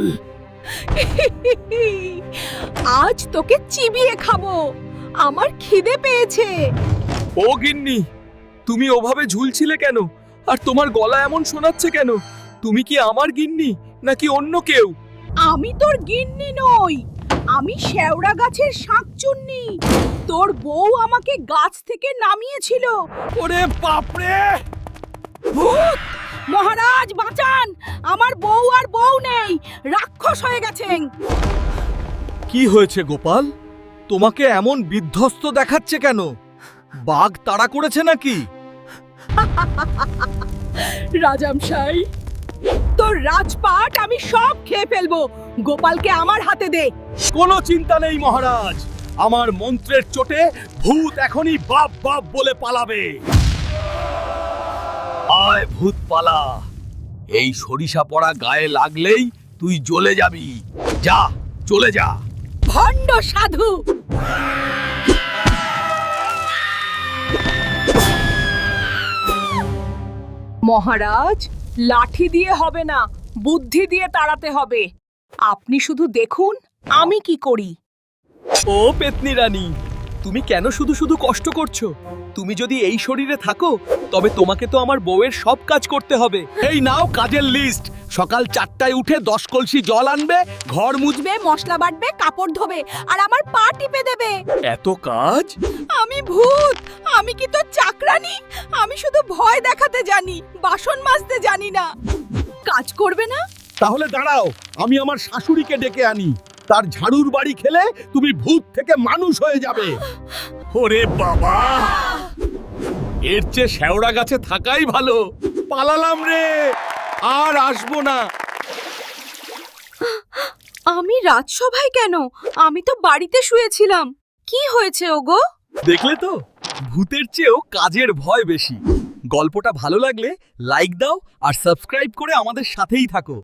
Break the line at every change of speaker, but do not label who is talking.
আজ তোকে চিবিয়ে খাবো, আমার খিদে পেয়েছে।
ও গিন্নি, তুমি ওভাবে ঝুলছিলে কেন? আর তোমার গলা এমন শোনাচ্ছে কেন? তুমি কি আমার গিন্নি নাকি অন্য কেউ?
আমি তোর গিন্নি নই, আমি শেওড়া গাছের শাকচুন্নি। তোর বউ আমাকে গাছ থেকে নামিয়েছিল।
ওরে বাপরে!
ভূত! মহারাজ বাঁচান, আমার বউ আর বউ নেই, রাক্ষস হয়ে গেছেন।
কি হয়েছে গোপাল? তোমাকে এমন বিধ্বস্ত দেখাচ্ছে কেন? বাঘ তাড়া করেছে নাকি?
রাজামশাই, তোর রাজপাট আমি সব খেয়ে ফেলবো। গোপালকে আমার হাতে দে।
কোনো চিন্তা নেই মহারাজ, আমার মন্ত্রের চোটে ভূত এখনই বাপ বাপ বলে পালাবে। আয় ভূত পালা, এই সরিষা পড়া গায়ে লাগলেই তুই জ্বলে যাবি। যা, চলে যা।
ভণ্ড সাধু! মহারাজ, লাঠি দিয়ে হবে না, বুদ্ধি দিয়ে তাড়াতে হবে। আপনি শুধু দেখুন আমি কি করি।
ও পেতনি রানী, তুমি কেন শুধু শুধু কষ্ট করছো? তুমি যদি এই শরীরে থাকো তবে তোমাকে তো আমার বউয়ের সব কাজ করতে হবে। এই নাও কাজের লিস্ট। সকাল 4টায় উঠে 10 কলসি জল আনবে, ঘর মুছবে।
মশলা বাটবে, কাপড় ধোবে, আর আমার পা টিপে দেবে।
এত কাজ?
আমি ভূত, আমি কি তো চাকরানি? আমি শুধু ভয় দেখাতে জানি, বাসন মাজতে জানি না। কাজ করবে না?
তাহলে দাঁড়াও, আমি আমার শাশুড়িকে ডেকে আনি। তার ঝাড়ুর বাড়ি খেলে তুমি ভূত থেকে মানুষ হয়ে যাবে। ওরে বাবা, এর চেয়ে শেওড়া গাছে থাকাই ভালো। পালালাম রে, আর আসবো না।
আমি রাজসভায় কেন? আমি তো বাড়িতে শুয়েছিলাম। কি হয়েছে ওগো?
দেখলে তো, ভূতের চেয়েও কাজের ভয় বেশি। গল্পটা ভালো লাগলে লাইক দাও আর সাবস্ক্রাইব করে আমাদের সাথেই থাকো।